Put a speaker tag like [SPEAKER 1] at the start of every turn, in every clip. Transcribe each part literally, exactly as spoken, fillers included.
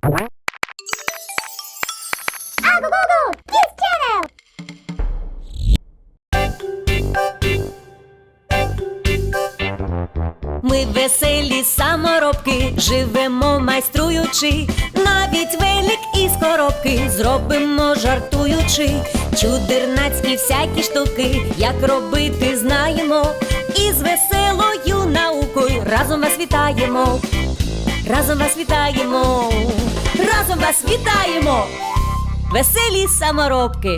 [SPEAKER 1] Ми веселі саморобки, живемо майструючи, навіть велик із коробки зробимо жартуючи. Чудернацькі всякі штуки, як робити знаємо, і з веселою наукою разом вас вітаємо. Разом вас вітаємо, разом вас вітаємо, веселі саморобки.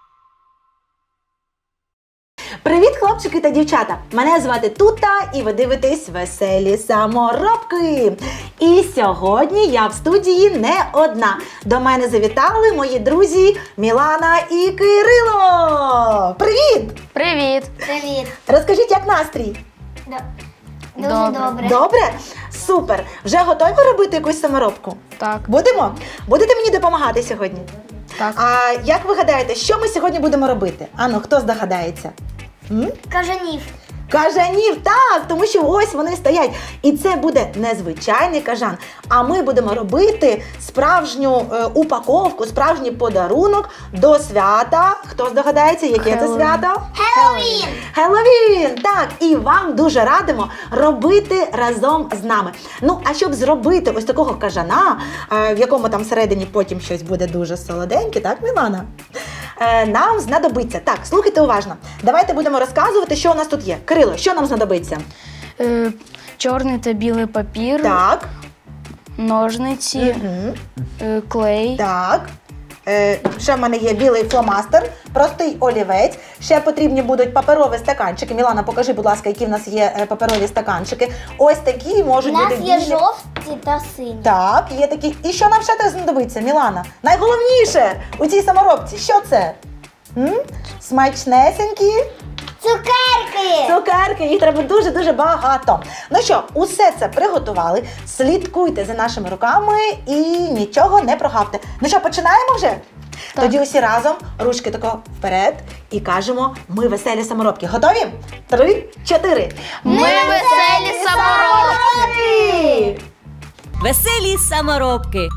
[SPEAKER 2] Привіт, хлопчики та дівчата! Мене звати Тута і ви дивитесь «Веселі саморобки». І сьогодні я в студії не одна. До мене завітали мої друзі Мілана і Кирило! Привіт!
[SPEAKER 3] Привіт!
[SPEAKER 4] Привіт!
[SPEAKER 2] Розкажіть, як настрій?
[SPEAKER 4] Да. Дуже
[SPEAKER 3] Добре.
[SPEAKER 4] добре.
[SPEAKER 2] Добре? Супер! Вже готові робити якусь саморобку?
[SPEAKER 3] Так.
[SPEAKER 2] Будемо? Будете мені допомагати сьогодні?
[SPEAKER 3] Так.
[SPEAKER 2] А як ви гадаєте, що ми сьогодні будемо робити? Ану, хто здогадається? М?
[SPEAKER 4] Кажанів.
[SPEAKER 2] Кажанів, так, тому що ось вони стоять. І це буде не звичайний кажан, а ми будемо робити справжню е, упаковку, справжній подарунок до свята. Хто здогадається, яке це
[SPEAKER 3] Хеллоуін.
[SPEAKER 2] свято?
[SPEAKER 4] Хеллоуін.
[SPEAKER 2] Хеллоуін, так, і вам дуже радимо робити разом з нами. Ну, а щоб зробити ось такого кажана, е, в якому там всередині потім щось буде дуже солоденьке, так, Мілана? Е, нам знадобиться, так, слухайте уважно, давайте будемо розказувати, що у нас тут є. Кирило, що нам знадобиться?
[SPEAKER 3] Е, чорний та білий папір,
[SPEAKER 2] Так,
[SPEAKER 3] ножниці,
[SPEAKER 2] угу.
[SPEAKER 3] е, клей,
[SPEAKER 2] Так. Е, ще в мене є білий фломастер, простий олівець. Ще потрібні будуть паперові стаканчики. Мілана, покажи, будь ласка, які в нас є е, паперові стаканчики. Ось такі
[SPEAKER 4] У
[SPEAKER 2] можуть
[SPEAKER 4] нас
[SPEAKER 2] бути
[SPEAKER 4] є
[SPEAKER 2] білі.
[SPEAKER 4] жовті та сині.
[SPEAKER 2] Так, є такі. І що нам ще теж знадобиться, Мілана? Найголовніше у цій саморобці, що це? М? Смачнесенькі
[SPEAKER 4] Цукерки!
[SPEAKER 2] цукерки, їх треба дуже-дуже багато. Ну що, усе це приготували, слідкуйте за нашими руками і нічого не прогавте. Ну що, починаємо вже?
[SPEAKER 3] Так.
[SPEAKER 2] Тоді усі разом, ручки тако вперед і кажемо, ми веселі саморобки. Готові? Три, чотири.
[SPEAKER 3] Ми веселі саморобки!
[SPEAKER 1] Веселі саморобки.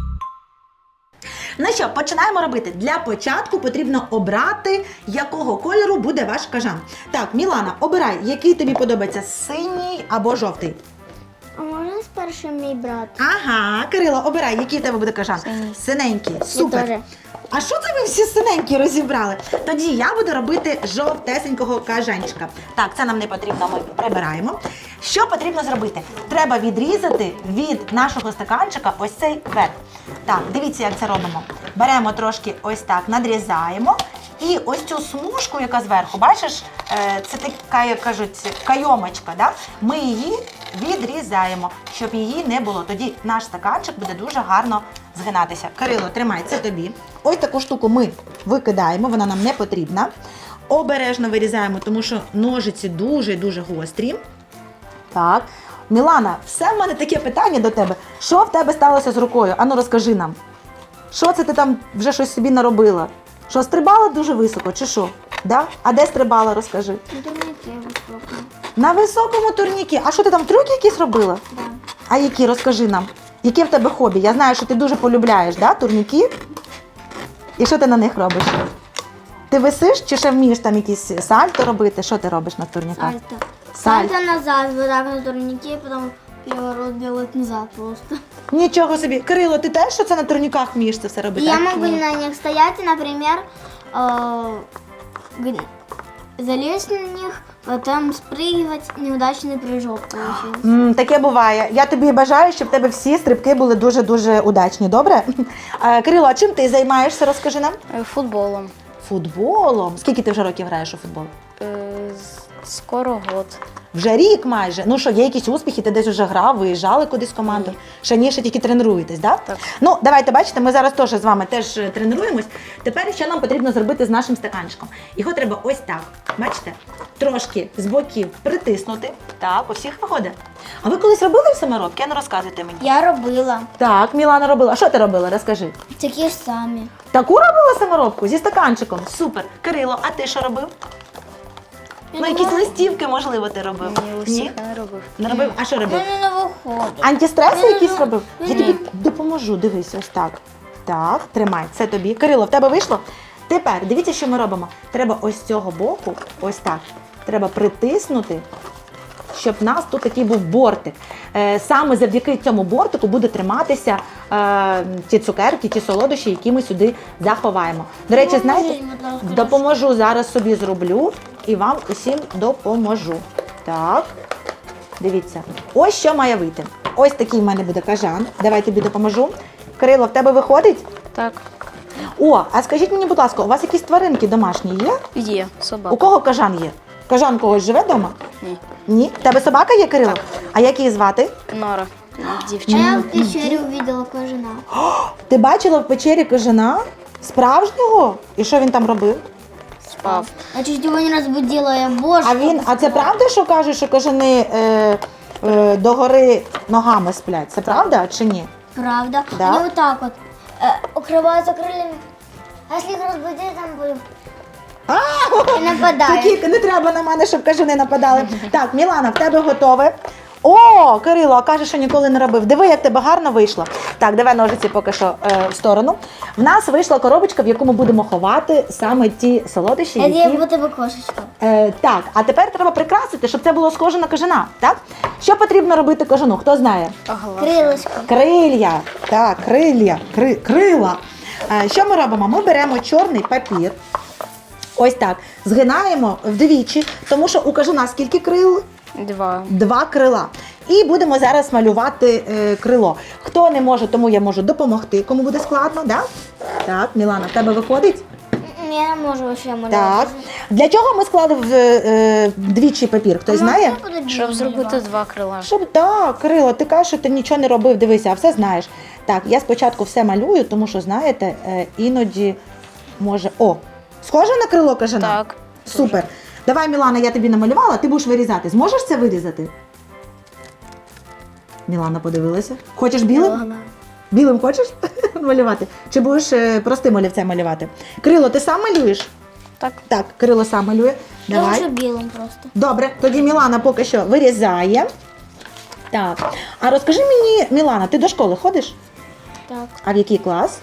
[SPEAKER 2] Ну що, починаємо робити. Для початку потрібно обрати, якого кольору буде ваш кажан. Так, Мілана, обирай, який тобі подобається, синій або жовтий.
[SPEAKER 4] А можна спершу мій брат?
[SPEAKER 2] Ага, Кирило, обирай, який в тебе буде кажан.
[SPEAKER 3] Синій.
[SPEAKER 2] Синенький, супер.
[SPEAKER 4] теж.
[SPEAKER 2] А що це ви всі синенькі розібрали? Тоді я буду робити жовтесенького кажанчика. Так, це нам не потрібно, ми прибираємо. Що потрібно зробити? Треба відрізати від нашого стаканчика ось цей верх. Так, дивіться, як це робимо. Беремо трошки ось так, надрізаємо. І ось цю смужку, яка зверху, бачиш, е, це така, як кажуть, кайомочка, да? Ми її відрізаємо, щоб її не було. Тоді наш стаканчик буде дуже гарно згинатися. Кирило, тримай, це тобі. Ось таку штуку ми викидаємо, вона нам не потрібна. Обережно вирізаємо, тому що ножиці дуже-дуже гострі. Так. Мілана, все в мене таке питання до тебе. Що в тебе сталося з рукою? Ану, розкажи нам. Що це ти там вже щось собі наробила? Що, стрибала дуже високо, чи що? Да? А де стрибала, розкажи? На високому турнікі. А що ти там, трюки якісь робила?
[SPEAKER 4] Да.
[SPEAKER 2] А які, розкажи нам. Яке в тебе хобі? Я знаю, що ти дуже полюбляєш, да, турніки? І що ти на них робиш? Ти висиш чи ще вмієш там якісь сальто робити? Що ти робиш на турніках?
[SPEAKER 4] Сальто.
[SPEAKER 2] Сальто.
[SPEAKER 4] Сальто назад, вот так на турнике, потом переворот делать назад просто.
[SPEAKER 2] Нічого собі. Кирило, ти теж що це на турніках вмієш це все
[SPEAKER 4] И
[SPEAKER 2] робити?
[SPEAKER 4] я
[SPEAKER 2] А?
[SPEAKER 4] могу на них стоять и, например, э, г- залезть на них, потом спрыгивать, неудачный прыжок получился.
[SPEAKER 2] М, таке буває. Я тобі бажаю, щоб в тебе всі стрибки були дуже-дуже удачні, добре? Е, Кирило, а чим ти займаєшся, розкажи нам?
[SPEAKER 3] е, футболом.
[SPEAKER 2] Футболом. Скільки ти вже років граєш у футбол?
[SPEAKER 3] Е, з- скоро год.
[SPEAKER 2] Вже рік майже. Ну що, є якісь успіхи, ти десь вже грав, виїжджали кудись в команду?
[SPEAKER 3] Ні.
[SPEAKER 2] Ще ні, ще тільки тренуєтесь, да?
[SPEAKER 3] Так.
[SPEAKER 2] Ну, давайте, бачите, ми зараз теж з вами теж е, тренуємось. Тепер що нам потрібно зробити з нашим стаканчиком? Його треба ось так, бачите? Трошки з боків притиснути. Так, у всіх виходить. А ви колись робили в саморобки? А ну розказуйте мені.
[SPEAKER 4] Я робила.
[SPEAKER 2] Так, Мілана робила. А що ти робила? Розкажи.
[SPEAKER 4] Такі ж самі.
[SPEAKER 2] Таку робила саморобку зі стаканчиком? Супер. Кирило, а ти що робив? Ну, якісь листівки, можливо, ти робив.
[SPEAKER 3] Ні, листівки не робив.
[SPEAKER 2] Не робив? А що
[SPEAKER 4] У
[SPEAKER 2] робив?
[SPEAKER 4] мене не виходить.
[SPEAKER 2] Антистреси
[SPEAKER 4] Ні,
[SPEAKER 2] якісь
[SPEAKER 4] ні,
[SPEAKER 2] робив?
[SPEAKER 4] ні.
[SPEAKER 2] Я тобі допоможу, дивись, ось так. Так, тримай, це тобі. Кирило, в тебе вийшло? Тепер, дивіться, що ми робимо. Треба ось з цього боку, ось так, треба притиснути, щоб в нас тут такий був бортик. Е, Саме завдяки цьому бортику буде триматися е, ті цукерки, ті солодощі, які ми сюди заховаємо. До речі, знаєте,
[SPEAKER 4] Поможіть, будь ласка,
[SPEAKER 2] допоможу, зараз собі зроблю і вам усім допоможу. Так, дивіться, ось що має вийти. Ось такий в мене буде кажан. Давай тобі допоможу. Кирило, в тебе виходить?
[SPEAKER 3] Так.
[SPEAKER 2] О, а скажіть мені, будь ласка, у вас якісь тваринки домашні є?
[SPEAKER 3] Є
[SPEAKER 2] У
[SPEAKER 3] собака.
[SPEAKER 2] кого кажан є? Кажан когось живе вдома?
[SPEAKER 3] Ні.
[SPEAKER 2] Ні? В тебе собака є, Кирило? А як її звати?
[SPEAKER 3] Нора.
[SPEAKER 4] А
[SPEAKER 3] Дівчина.
[SPEAKER 4] я в пещері увидела кажана.
[SPEAKER 2] Ти бачила в печері кажана? Справжнього? І що він там робив?
[SPEAKER 3] Спав.
[SPEAKER 4] Я чуть его не разбудила, я боже.
[SPEAKER 2] А він, а це правда, що кажуть, що кажани е, е, догори ногами сплять? Це правда чи ні?
[SPEAKER 4] Правда.
[SPEAKER 2] Да?
[SPEAKER 4] Они вот так вот э, укрываются крыльями. А если их разбудить, там будем. И нападают.
[SPEAKER 2] Такі, не треба на мене, щоб кажани нападали. Так, Мілана, в тебе готове. О, Кирило, а каже, що ніколи не робив. Диви, як тебе гарно вийшло. Так, давай ножиці поки що е, в сторону. В нас вийшла коробочка, в яку ми будемо ховати саме ті солодощі,
[SPEAKER 4] Это
[SPEAKER 2] які...
[SPEAKER 4] будто бы кошечка.
[SPEAKER 2] Е, так, а тепер треба прикрасити, щоб це було схоже на кажана. Так? Що потрібно робити кажану? Хто знає?
[SPEAKER 4] Крылышко.
[SPEAKER 2] Крилья. Так, крилья. Кри, крила. Е, що ми робимо? Ми беремо чорний папір. Ось так. Згинаємо вдвічі, тому що у кажана скільки крил?
[SPEAKER 3] Два.
[SPEAKER 2] Два крила. І будемо зараз малювати е, крило. Хто не може, тому я можу допомогти. Кому буде складно, да? Так, Мілана, в тебе виходить?
[SPEAKER 4] М, Я не можу вообще малювати.
[SPEAKER 2] Так. Для чого ми склали в, е, вдвічі папір? Хтось знає?
[SPEAKER 3] Щоб зробити два крила.
[SPEAKER 2] Щоб так, Кирило, ти кажеш, що ти нічого не робив, дивися, а все знаєш. Так, я спочатку все малюю, тому що, знаєте, е, іноді може. О! Схоже на крило кажана?
[SPEAKER 3] Так.
[SPEAKER 2] Супер. Давай, Мілана, я тобі намалювала, ти будеш вирізати. Зможеш це вирізати? Мілана подивилася. Хочеш білим? Білим хочеш малювати? Чи будеш е, простим олівцем малювати? Крило, ти сам малюєш?
[SPEAKER 3] Так.
[SPEAKER 2] Так, Крило сам малює.
[SPEAKER 4] Я
[SPEAKER 2] Давай.
[SPEAKER 4] хочу білим просто.
[SPEAKER 2] Добре, тоді Мілана поки що вирізає. Так. А розкажи мені, Мілана, ти до школи ходиш?
[SPEAKER 3] Так.
[SPEAKER 2] А в який клас?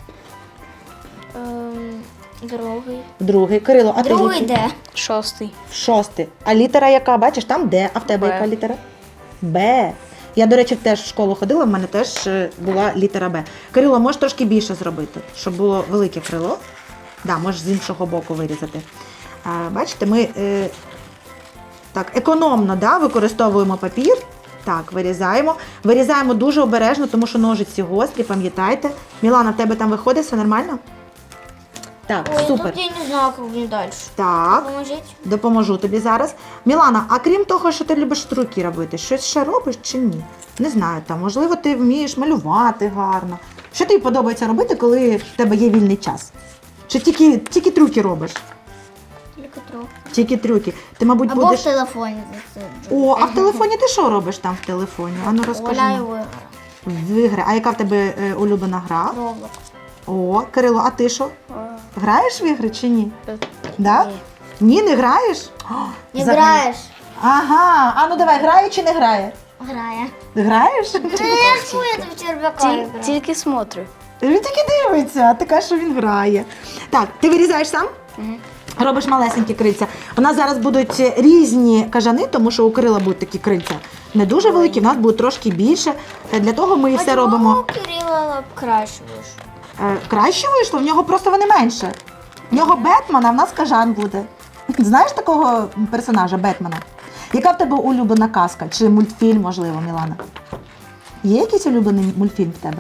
[SPEAKER 3] Ем, другий.
[SPEAKER 2] Другий. Кирило, а ти в
[SPEAKER 4] Другий
[SPEAKER 2] який?
[SPEAKER 4] де?
[SPEAKER 3] Шостий.
[SPEAKER 2] Шостий. А літера яка? Бачиш, там Д. А в тебе
[SPEAKER 3] Б.
[SPEAKER 2] яка літера? Б. Я, до речі, теж в школу ходила, в мене теж е, була літера Б. Кирило, можеш трошки більше зробити, щоб було велике крило. Да, можеш з іншого боку вирізати. А, бачите, ми е, так, економно, да, використовуємо папір. Так, вирізаємо. Вирізаємо дуже обережно, тому що ножиці гострі, пам'ятайте. Мілана, в тебе там виходить, все нормально? Так,
[SPEAKER 4] Ой,
[SPEAKER 2] супер.
[SPEAKER 4] тут я не знаю, как мне дальше.
[SPEAKER 2] Так.
[SPEAKER 4] Поможите.
[SPEAKER 2] Допоможу тобі зараз. Мілана, а крім того, що ти любиш струки робити, щось ще робиш чи ні? Не знаю, там, можливо, ти вмієш малювати гарно. Що тобі подобається робити, коли в тебе є вільний час? Чи тільки, тільки трюки робиш?
[SPEAKER 4] Тільки трохи.
[SPEAKER 2] Тільки трюки. Ти, мабуть,
[SPEAKER 4] Або
[SPEAKER 2] будеш.
[SPEAKER 4] в телефоні засиджу.
[SPEAKER 2] О, а в телефоні ти що робиш там в телефоні? Ану розкажи.
[SPEAKER 4] Гуляю
[SPEAKER 2] нам.
[SPEAKER 4] в ігри.
[SPEAKER 2] В ігри. А яка в тебе е, улюблена гра?
[SPEAKER 4] Роблок.
[SPEAKER 2] О, Кирило, а ти що? Граєш в ігри чи ні?
[SPEAKER 3] Е,
[SPEAKER 2] Да?
[SPEAKER 3] Ні.
[SPEAKER 2] Ні, не граєш? О,
[SPEAKER 4] Не
[SPEAKER 2] взагалі.
[SPEAKER 4] граєш?
[SPEAKER 2] Ага, а ну давай, грає чи не грає?
[SPEAKER 4] Грає.
[SPEAKER 2] Ти граєш?
[SPEAKER 4] Ну, я ж я в черв'яка
[SPEAKER 3] Ті-
[SPEAKER 4] граю.
[SPEAKER 3] Тільки смотрю.
[SPEAKER 2] Він тільки дивиться, а ти кажеш, що він грає. Так, ти вирізаєш сам? Робиш малесенькі крильця. У нас зараз будуть різні кажани, тому що у Кирила будуть такі крильця не дуже великі, в нас будуть трошки більше. Для того ми і все
[SPEAKER 4] А чому
[SPEAKER 2] робимо.
[SPEAKER 4] у Кирила краще вийшло?
[SPEAKER 2] Е, Краще вийшло, в нього просто вони менше. В нього Бетмен, а в нас кажан буде. Знаєш такого персонажа Бетмена? Яка в тебе улюблена казка? Чи мультфільм, можливо, Мілана? Є якийсь улюблений мультфільм в тебе?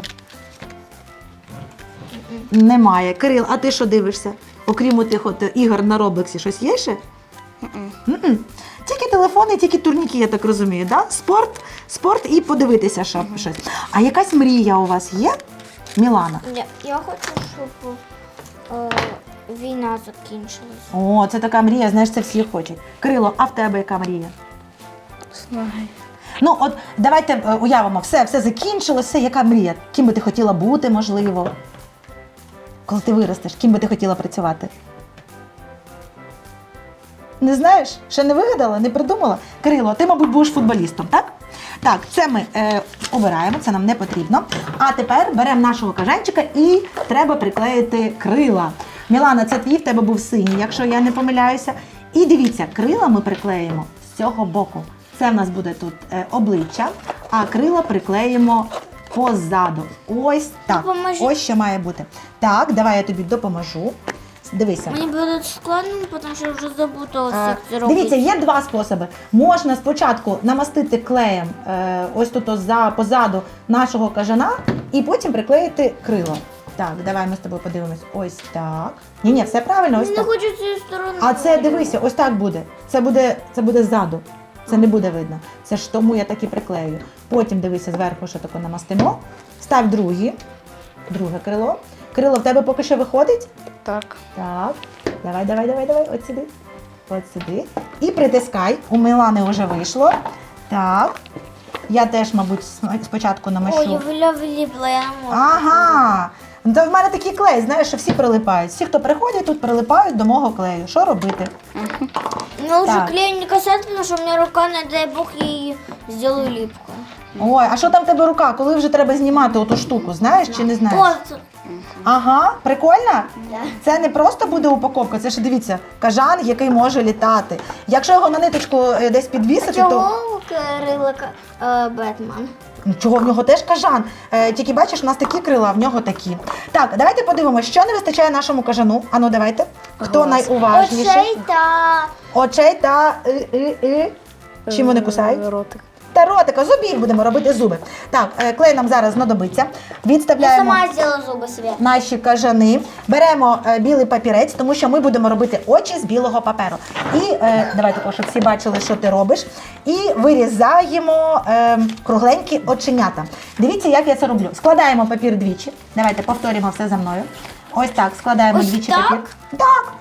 [SPEAKER 2] Немає. Кирил, а ти що дивишся? Окрім тих от ігор на Роблексі, щось є ще? М-м. Тільки телефони, тільки турніки, я так розумію, да? Спорт, спорт і подивитися, що щось. А якась мрія у вас є, Мілана?
[SPEAKER 4] Я, я хочу, щоб е, війна закінчилась.
[SPEAKER 2] О, це така мрія, знаєш, це всі хочуть. Кирило, а в тебе яка мрія?
[SPEAKER 3] Знаю.
[SPEAKER 2] Ну, от давайте е, уявимо, все, все закінчилось, все, яка мрія? Ким би ти хотіла бути, можливо? Коли ти виростеш, ким би ти хотіла працювати? Не знаєш? Ще не вигадала, не придумала? Кирило, ти, мабуть, будеш футболістом, так? Так, це ми е, обираємо, це нам не потрібно. А тепер беремо нашого кажанчика і треба приклеїти крила. Мілана, це твій, в тебе був синій, якщо я не помиляюся. І дивіться, крила ми приклеїмо з цього боку. Це в нас буде тут е, обличчя, а крила приклеїмо позаду. Ось так.
[SPEAKER 4] Допоможи.
[SPEAKER 2] Ось що має бути. Так, давай я тобі допоможу. Дивися.
[SPEAKER 4] Мені буде складно, тому що я вже забуталася,
[SPEAKER 2] Е,
[SPEAKER 4] як це робити.
[SPEAKER 2] Дивіться, є два способи. Можна спочатку намастити клеєм е, ось тут ось за позаду нашого кажана і потім приклеїти крило. Так, давай ми з тобою подивимось. Ось так. Ні, ні, все правильно, ось
[SPEAKER 4] Я не
[SPEAKER 2] так.
[SPEAKER 4] хочу цією стороною.
[SPEAKER 2] А це дивися, ось так буде. Це буде, це буде ззаду. Це не буде видно. Це ж тому я так і приклею. Потім дивися, зверху ще тако намастимо. Став другі, друге крило. Крило в тебе поки що виходить?
[SPEAKER 3] Так.
[SPEAKER 2] Так, давай, давай, давай, давай, от сюди. От сюди. І притискай. У Мілани вже вийшло. Так. Я теж, мабуть, см- спочатку намащу.
[SPEAKER 4] Ой, я виля вліпла, я не можу.
[SPEAKER 2] Ага. Ну, то в мене такий клей, знаєш, що всі прилипають. Всі, хто приходять, тут прилипають до мого клею. Що робити?
[SPEAKER 4] Мне лучше
[SPEAKER 2] Так.
[SPEAKER 4] клею не касаться, потому что у меня рука, не дай бог, я ее сделаю липкой.
[SPEAKER 2] Ой, а що там в тебе рука? Коли вже треба знімати оту штуку, знаєш чи не знаєш?
[SPEAKER 4] Вот.
[SPEAKER 2] Ага, прикольно?
[SPEAKER 4] Да.
[SPEAKER 2] Це не просто буде упаковка, це ж дивіться, кажан, який може літати. Якщо його на ниточку е, десь підвісити, то
[SPEAKER 4] Чого крила е, Бетмен?
[SPEAKER 2] Ну, чого в нього теж кажан. Е, тільки бачиш, у нас такі крила, а в нього такі. Так, давайте подивимося, що не вистачає нашому кажану. Ану, давайте. Хто
[SPEAKER 3] Глаз.
[SPEAKER 2] найуважніший?
[SPEAKER 4] Оцей та...
[SPEAKER 2] Очей та и, и, и. Чим вони кусають?
[SPEAKER 3] Е, Ротик.
[SPEAKER 2] Та ротика, зубів будемо робити зуби. Так, е, клей нам зараз знадобиться.
[SPEAKER 4] Я
[SPEAKER 2] Відставляємо
[SPEAKER 4] сама сделала зубы себе.
[SPEAKER 2] наші кажани. Беремо е, білий папірець, тому що ми будемо робити очі з білого паперу. І е, давайте, також, щоб всі бачили, що ти робиш. І вирізаємо е, кругленькі оченята. Дивіться, як я це роблю. Складаємо папір двічі. Давайте повторюємо все за мною. Ось так, складаємо
[SPEAKER 4] Ось
[SPEAKER 2] двічі
[SPEAKER 4] так?
[SPEAKER 2] папір. Так.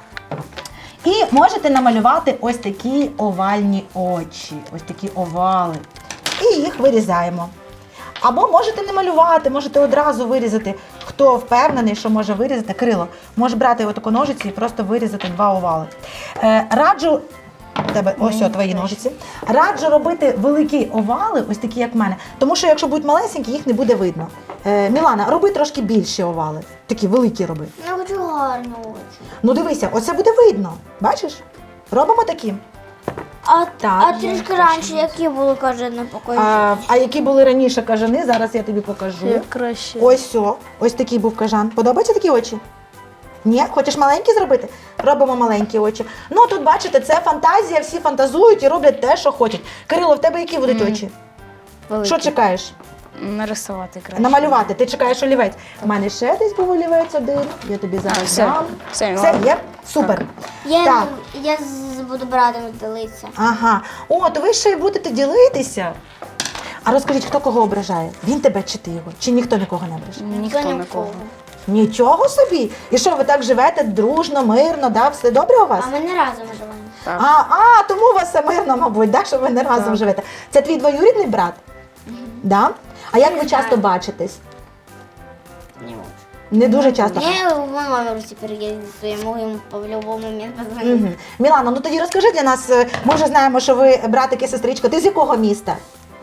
[SPEAKER 2] І можете намалювати ось такі овальні очі, ось такі овали. І їх вирізаємо. Або можете не малювати, можете одразу вирізати. Хто впевнений, що може вирізати крило, може брати отаку ножиці і просто вирізати два овали. Е, раджу, у тебе ось о, твої ножиці. Раджу робити великі овали, ось такі, як в мене. Тому що якщо будуть малесенькі, їх не буде видно. Е, Мілана, роби трошки більші овали. Такі великі роби.
[SPEAKER 4] Я хочу гарні очі.
[SPEAKER 2] Ну дивися, оце буде видно. Бачиш? Робимо такі.
[SPEAKER 4] А,
[SPEAKER 2] Так,
[SPEAKER 4] а трішки раніше, які були, каже, не покажу.
[SPEAKER 2] А, а які були раніше кажани, зараз я тобі покажу.
[SPEAKER 3] Як краще.
[SPEAKER 2] Ось о, ось такий був кажан. Подобаються такі очі? Ні? Хочеш маленькі зробити? Робимо маленькі очі. Ну тут бачите, це фантазія, всі фантазують і роблять те, що хочуть. Кирило, в тебе які будуть
[SPEAKER 3] Мгм.
[SPEAKER 2] очі?
[SPEAKER 3] Великий.
[SPEAKER 2] Що чекаєш?
[SPEAKER 3] Нарисувати краще.
[SPEAKER 2] Намалювати. Ти чекаєш олівець. У мене ще десь був олівець один. Я тобі зараз
[SPEAKER 3] А, все.
[SPEAKER 2] дам.
[SPEAKER 3] Все,
[SPEAKER 2] Все
[SPEAKER 3] ладно.
[SPEAKER 2] є? Супер.
[SPEAKER 4] Я,
[SPEAKER 2] Так.
[SPEAKER 4] я з- буду брати ділитися.
[SPEAKER 2] Ага. О, то ви ще й будете ділитися. А розкажіть, хто кого ображає? Він тебе чи ти його? Чи ніхто нікого не ображає?
[SPEAKER 3] Ніхто
[SPEAKER 4] Ніхто
[SPEAKER 3] нікого.
[SPEAKER 2] Нічого собі! І що, ви так живете дружно, мирно, да? Все добре у вас?
[SPEAKER 4] А ми не разом живемо.
[SPEAKER 3] Так.
[SPEAKER 2] А, а, тому у вас все мирно, мабуть, да? Що ви не разом
[SPEAKER 3] Так.
[SPEAKER 2] живете. Це твій двоюрідний брат? Да? А як ви
[SPEAKER 4] Не
[SPEAKER 2] часто
[SPEAKER 4] знаю.
[SPEAKER 2] бачитесь?
[SPEAKER 4] Не можу.
[SPEAKER 2] Не дуже часто.
[SPEAKER 4] Я в мой номер тепер є, то я можу йому по любому момент позвонити.
[SPEAKER 2] Угу. Мілано, ну тоді розкажи для нас, е, ми вже знаємо, що ви братик і сестричка. Ти з якого міста?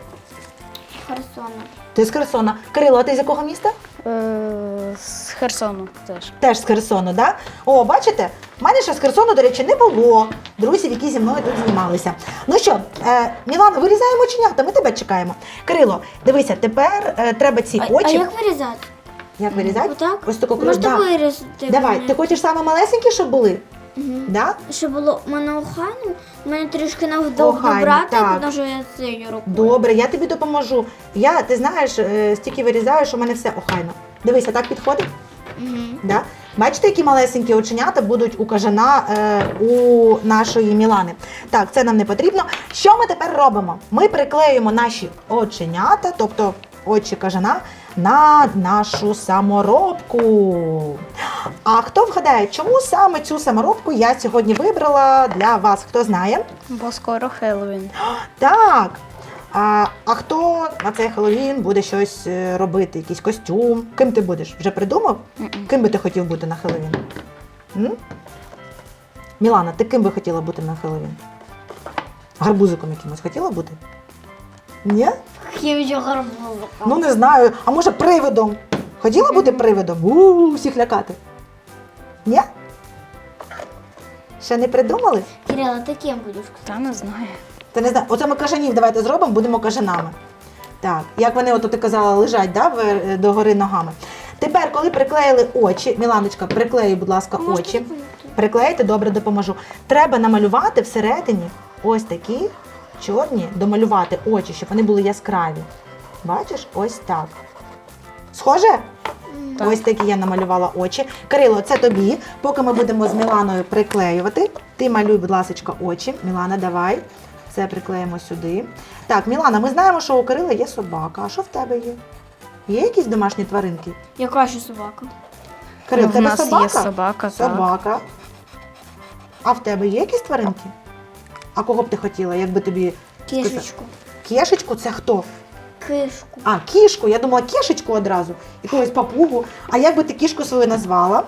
[SPEAKER 4] Херсона.
[SPEAKER 2] Ти з Херсона. Кирило, а ти з якого міста?
[SPEAKER 3] Е, З Херсону теж.
[SPEAKER 2] Теж з Херсону, да? О, бачите, в мене ще з Херсону, до речі, не було друзів, які зі мною тут знімалися. Ну що, е, Мілано, вирізаємо оченята, ми тебе чекаємо. Кирило, дивися, тепер е, треба ці
[SPEAKER 4] А,
[SPEAKER 2] очі.
[SPEAKER 4] а як вирізати?
[SPEAKER 2] Як вирізати?
[SPEAKER 4] Отак?
[SPEAKER 2] Ось таку кров.
[SPEAKER 4] Можете
[SPEAKER 2] Да.
[SPEAKER 4] вирізати?
[SPEAKER 2] Давай,
[SPEAKER 4] мене?
[SPEAKER 2] ти хочеш саме малесенькі, щоб були?
[SPEAKER 4] Мгм.
[SPEAKER 2] Да?
[SPEAKER 4] Щоб було в мене охайно, в мене трішки
[SPEAKER 2] Охайно,
[SPEAKER 4] навдовго брати,
[SPEAKER 2] так.
[SPEAKER 4] тому що я цією рукою.
[SPEAKER 2] Добре, я тобі допоможу. Я, ти знаєш, е, стільки вирізаю, що в мене все охайно. Дивися, так підходить?
[SPEAKER 4] Мгм.
[SPEAKER 2] Да? Бачите, які малесенькі оченята будуть у кажана е, у нашої Мілани. Так, це нам не потрібно. Що ми тепер робимо? Ми приклеюємо наші оченята, тобто очі кажана, на нашу саморобку. А хто вгадає, чому саме цю саморобку я сьогодні вибрала для вас? Хто знає?
[SPEAKER 3] Бо скоро Хеллоуін.
[SPEAKER 2] Так. А, а хто на цей Хеллоуін буде щось е, робити, якийсь костюм? Ким ти будеш? Вже придумав?
[SPEAKER 3] Мгм.
[SPEAKER 2] Ким би ти хотів бути на Хеллоуін? М? Мілана, ти ким би хотіла бути на Хеллоуін? Гарбузиком якимось хотіла бути? Ні?
[SPEAKER 4] Я гарбузика.
[SPEAKER 2] Ну не знаю. А може привидом? Хотіла бути привидом? У-у-у, всіх лякати. Ні? Ще не придумали?
[SPEAKER 4] Кирилл, а ты кем будешь?
[SPEAKER 3] Та не знаю.
[SPEAKER 2] Та не знаю. Оце ми кажанів давайте зробимо, будемо кажанами. Так, як вони, от ти казала, лежать, да, в- догори ногами. Тепер, коли приклеїли очі, Міланочка, приклеї, будь ласка, очі. Приклеїти, добре, допоможу. Треба намалювати всередині ось такі чорні, домалювати очі, щоб вони були яскраві. Бачиш? Ось так. Схоже?
[SPEAKER 3] Так.
[SPEAKER 2] Ось такі я намалювала очі. Кирило, це тобі. Поки ми будемо з Міланою приклеювати, ти малюй, будь ласка, очі. Мілана, давай. Це приклеїмо сюди. Так, Мілана, ми знаємо, що у Кирила є собака. А що в тебе є? Є якісь домашні тваринки?
[SPEAKER 4] Яка ще собака?
[SPEAKER 2] Кирил,
[SPEAKER 3] Ну,
[SPEAKER 2] в
[SPEAKER 3] в
[SPEAKER 2] тебе
[SPEAKER 3] нас
[SPEAKER 2] собака?
[SPEAKER 3] є собака, так.
[SPEAKER 2] Собака. А в тебе є якісь тваринки? А кого б ти хотіла, якби тобі сказати?
[SPEAKER 4] Кішечку.
[SPEAKER 2] Кішечку це хто?
[SPEAKER 4] Кишку.
[SPEAKER 2] А, кішку. Я думала кішечку одразу. Якогось папугу. А як би ти кішку свою назвала?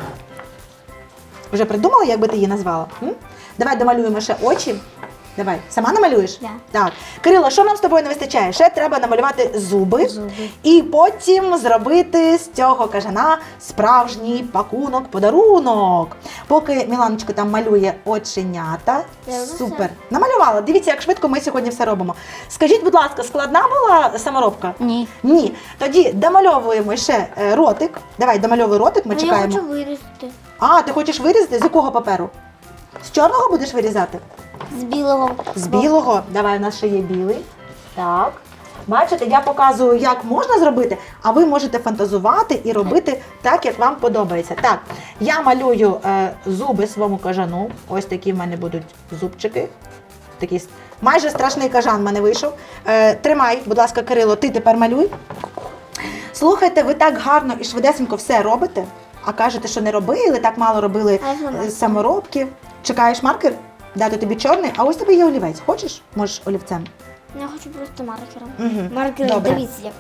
[SPEAKER 2] Вже придумала, як би ти її назвала? М? Давай домалюємо ще очі. Давай. Сама намалюєш?
[SPEAKER 4] Да.
[SPEAKER 2] Так. Кирило, що нам з тобою не вистачає? Ще треба намалювати зуби.
[SPEAKER 3] Зуби.
[SPEAKER 2] І потім зробити з цього кажана справжній пакунок, подарунок. Поки Міланочка там малює оченята.
[SPEAKER 4] Я вже
[SPEAKER 2] Супер. Намалювала. Дивіться, як швидко ми сьогодні все робимо. Скажіть, будь ласка, складна була саморобка?
[SPEAKER 3] Ні.
[SPEAKER 2] Ні. Тоді домальовуємо ще е, ротик. Давай, домальовуй ротик, ми
[SPEAKER 4] Ну, я
[SPEAKER 2] чекаємо.
[SPEAKER 4] хочу вирізати.
[SPEAKER 2] А, ти хочеш вирізати? З якого паперу? З чорного будеш вирізати?
[SPEAKER 4] З білого.
[SPEAKER 2] З білого. Давай, у нас ще є білий. Так. Бачите, я показую, як можна зробити, а ви можете фантазувати і робити так, як вам подобається. Так, я малюю е, зуби своєму кажану. Ось такі в мене будуть зубчики. Такий с- майже страшний кажан в мене вийшов. Е, тримай, будь ласка, Кирило, ти тепер малюй. Слухайте, ви так гарно і швидесенько все робите, а кажете, що не робили, так мало робили
[SPEAKER 4] А я вже
[SPEAKER 2] е,
[SPEAKER 4] маркер.
[SPEAKER 2] саморобки. Чекаєш маркер? Дати тобі чорний, а ось тебе є олівець. Хочеш? Можеш олівцем.
[SPEAKER 4] Я хочу просто маркером.
[SPEAKER 2] Мгм.
[SPEAKER 4] Маркером,
[SPEAKER 2] Добре.
[SPEAKER 4] дивіться як.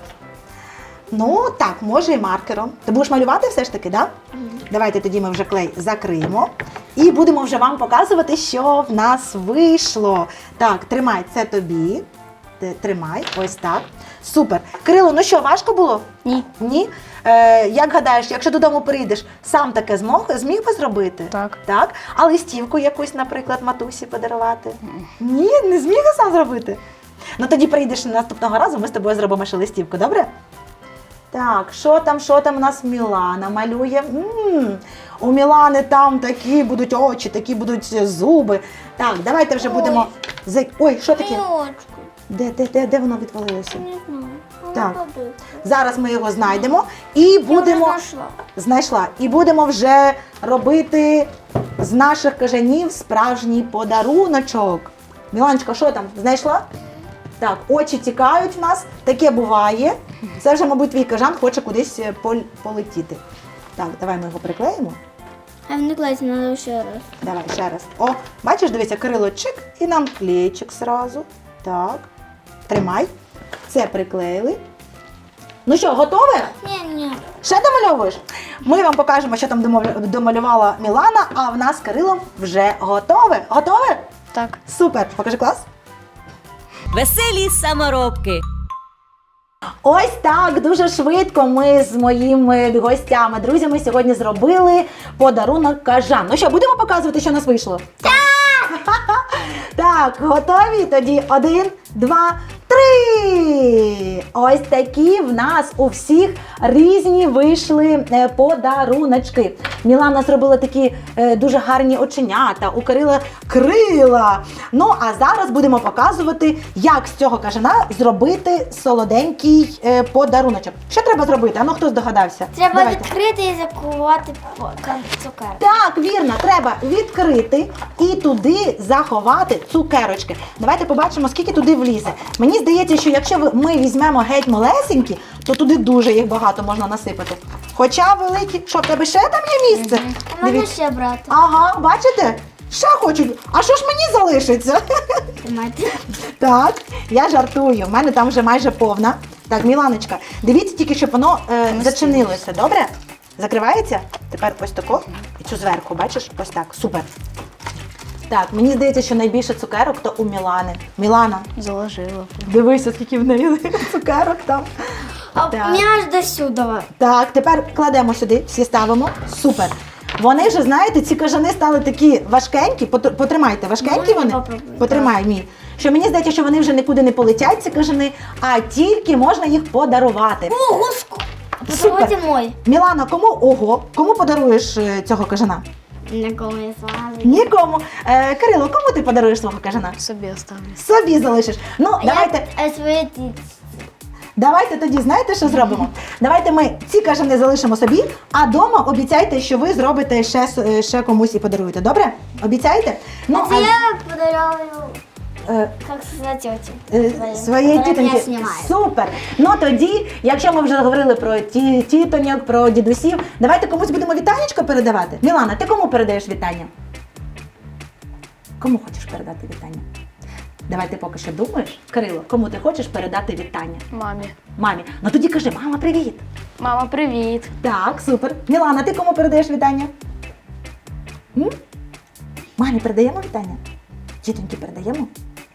[SPEAKER 2] Ну так, може і маркером. Ти будеш малювати все ж таки, так? Да?
[SPEAKER 4] Мгм.
[SPEAKER 2] Давайте тоді ми вже клей закриємо. І будемо вже вам показувати, що в нас вийшло. Так, тримай, це тобі. Ти тримай, ось так. Супер. Кирило, ну що, важко було?
[SPEAKER 3] Ні.
[SPEAKER 2] Ні? Е, як гадаєш, якщо додому прийдеш, сам таке змог, зміг би зробити?
[SPEAKER 3] Так.
[SPEAKER 2] Так? А листівку якусь, наприклад, матусі подарувати? Ні, не зміг я сам зробити. Ну тоді прийдеш наступного разу, ми з тобою зробимо ще листівку, добре? Так, що там, що там у нас Мілана малює? м У Мілани там такі будуть очі, такі будуть зуби. Так, давайте вже будемо. за- Ой, що таке?
[SPEAKER 4] Очку.
[SPEAKER 2] Де, де, де, де воно відвалилося?
[SPEAKER 4] Не знаю.
[SPEAKER 2] Так.
[SPEAKER 4] Вона подивиться.
[SPEAKER 2] Зараз ми його знайдемо і
[SPEAKER 4] Я вже
[SPEAKER 2] будемо.
[SPEAKER 4] знайшла.
[SPEAKER 2] Знайшла. І будемо вже робити з наших кажанів справжній подаруночок. Міланочка, що там? Знайшла? Так, очі тікають в нас. Таке буває. Це вже, мабуть, твій кажан хоче кудись е, пол- полетіти. Так, давай ми його приклеїмо.
[SPEAKER 4] А не класть, треба ще раз.
[SPEAKER 2] Давай ще раз. О, бачиш, дивися, Кирило, чик, і нам клейчик зразу. Так. Тримай. Це приклеїли. Ну що, готове?
[SPEAKER 4] Ні, ні.
[SPEAKER 2] Ще домальовуєш? Ми вам покажемо, що там домов- домалювала Мілана, а в нас з Кирилом вже готове. Готове?
[SPEAKER 3] Так.
[SPEAKER 2] Супер. Покажи клас.
[SPEAKER 1] Веселі саморобки.
[SPEAKER 2] Ось так, дуже швидко ми з моїми гостями, друзями сьогодні зробили подарунок кажан. Ну що, будемо показувати, що у нас вийшло? Так! Так, готові? Тоді один, два, три. Ось такі в нас у всіх різні вийшли е, подаруночки. Мілана зробила такі е, дуже гарні оченята, у Кирила крила. Ну, а зараз будемо показувати, як з цього кажана зробити солоденький е, подаруночок. Що треба зробити? А ну, хто здогадався?
[SPEAKER 4] Треба
[SPEAKER 2] Давайте.
[SPEAKER 4] відкрити і закувати по- кан- цукерки.
[SPEAKER 2] Так, вірно, треба відкрити і туди заховати цукерочки. Давайте побачимо, скільки туди влізе. Мені здається, що якщо ви- ми візьмемо геть малесенькі, то туди дуже їх багато можна насипати. Хоча великі, що в тебе ще там є місце?
[SPEAKER 4] А можна
[SPEAKER 2] Дивіться.
[SPEAKER 4] ще брати?
[SPEAKER 2] Ага, бачите? Ще хочуть. А що ж мені залишиться?
[SPEAKER 4] Тримайте.
[SPEAKER 2] Так, я жартую. В мене там вже майже повна. Так, Міланочка, дивіться тільки, щоб воно е, зачинилося, добре? Закривається? Тепер ось тако. І цю зверху, бачиш? Ось так. Супер. Так, мені здається, що найбільше цукерок то у Мілани. Мілана,
[SPEAKER 3] Заложила.
[SPEAKER 2] дивися, скільки в неї цукерок там.
[SPEAKER 4] А
[SPEAKER 2] Так.
[SPEAKER 4] у меня аж до сюда.
[SPEAKER 2] Так, тепер кладемо сюди, всі ставимо. Супер. Вони ж, знаєте, ці кажани стали такі важкенькі. Потр- Потримайте, важкенькі
[SPEAKER 4] Можна
[SPEAKER 2] вони?
[SPEAKER 4] попробувати?
[SPEAKER 2] Потримай мій. Що мені здається, що вони вже нікуди не полетять, ці кажани, а тільки можна їх подарувати.
[SPEAKER 4] Ого, ск-
[SPEAKER 2] Супер.
[SPEAKER 4] Попробуйте мой.
[SPEAKER 2] Мілана, кому ого? Кому подаруєш е, цього кажана?
[SPEAKER 4] Никому не сразу.
[SPEAKER 2] Нікому. Е, Кирило, кому ти подаруєш свого кажана?
[SPEAKER 3] Собі оставлю.
[SPEAKER 2] Собі залишиш. Ну, давайте.
[SPEAKER 4] Я э, свои птицы.
[SPEAKER 2] Давайте тоді, знаєте, що зробимо? Давайте ми ці кажани залишимо собі, а дома обіцяйте, що ви зробите ще, с- ще комусь і подаруєте. Добре? Обіцяєте? Ну,
[SPEAKER 4] Это я подарила,
[SPEAKER 2] е,
[SPEAKER 4] как сказать, тете.
[SPEAKER 2] е, своєї
[SPEAKER 4] Которая меня
[SPEAKER 2] тітоньки.
[SPEAKER 4] снимает.
[SPEAKER 2] Супер! Ну тоді, якщо ми вже говорили про ті, тітоньок, про дідусів, давайте комусь будемо вітанечко передавати. Мілана, ти кому передаєш вітання? Кому хочеш передати вітання? Давай ти поки що думаєш. Кирило, кому ти хочеш передати вітання?
[SPEAKER 3] Мамі.
[SPEAKER 2] Мамі. Ну тоді кажи, мама, привіт!
[SPEAKER 3] Мама, привіт.
[SPEAKER 2] Так, супер. Мілана, ти кому передаєш вітання? М? Мамі передаємо вітання? Тітоньки передаємо?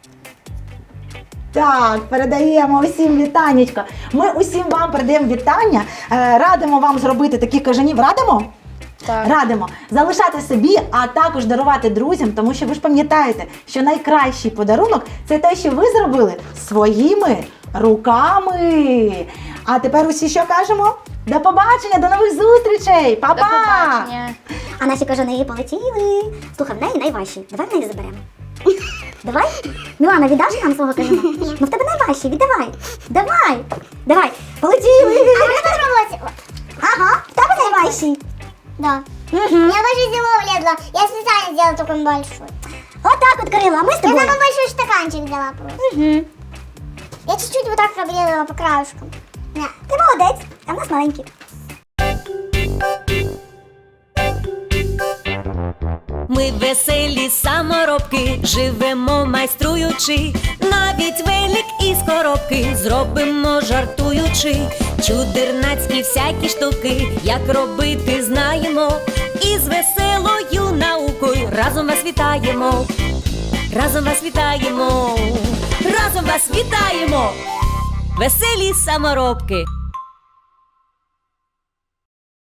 [SPEAKER 2] Так, передаємо усім вітанечко. Ми усім вам передаємо вітання. Е, Радимо вам зробити таких кажанів. Радимо?
[SPEAKER 3] Так.
[SPEAKER 2] Радимо залишати собі, а також дарувати друзям, тому що ви ж пам'ятаєте, що найкращий подарунок це те, що ви зробили своїми руками. А тепер усі що кажемо? До побачення, до нових зустрічей! Па-па!
[SPEAKER 3] До побачення.
[SPEAKER 5] А наші кажани полетіли. Слухай, в неї найважчі. Давай в неї заберемо. Давай? Мілана, віддаш нам свого кажана? Ну в тебе найважчі, віддавай. Давай. Давай. Полетіли. А можна спробувати? Ага, в тебе найважчі.
[SPEAKER 4] Да.
[SPEAKER 5] Угу.
[SPEAKER 4] Я даже зимой влезла. Я специально сделала такой большой.
[SPEAKER 5] От так от, Кирило, а ми з
[SPEAKER 4] Я
[SPEAKER 5] тобою.
[SPEAKER 4] самый большой стаканчик взяла просто.
[SPEAKER 5] Угу.
[SPEAKER 4] Я чуть-чуть вот так обрезала по краешкам. На.
[SPEAKER 5] Ти молодець, а в нас маленькі.
[SPEAKER 1] Ми веселі саморобки, живемо майструючи, навіть велик із коробки зробимо жартуючи, чудернацькі всякі штуки, як робити знаємо, і з веселою наукою разом вас вітаємо, разом вас вітаємо, разом вас вітаємо, веселі саморобки.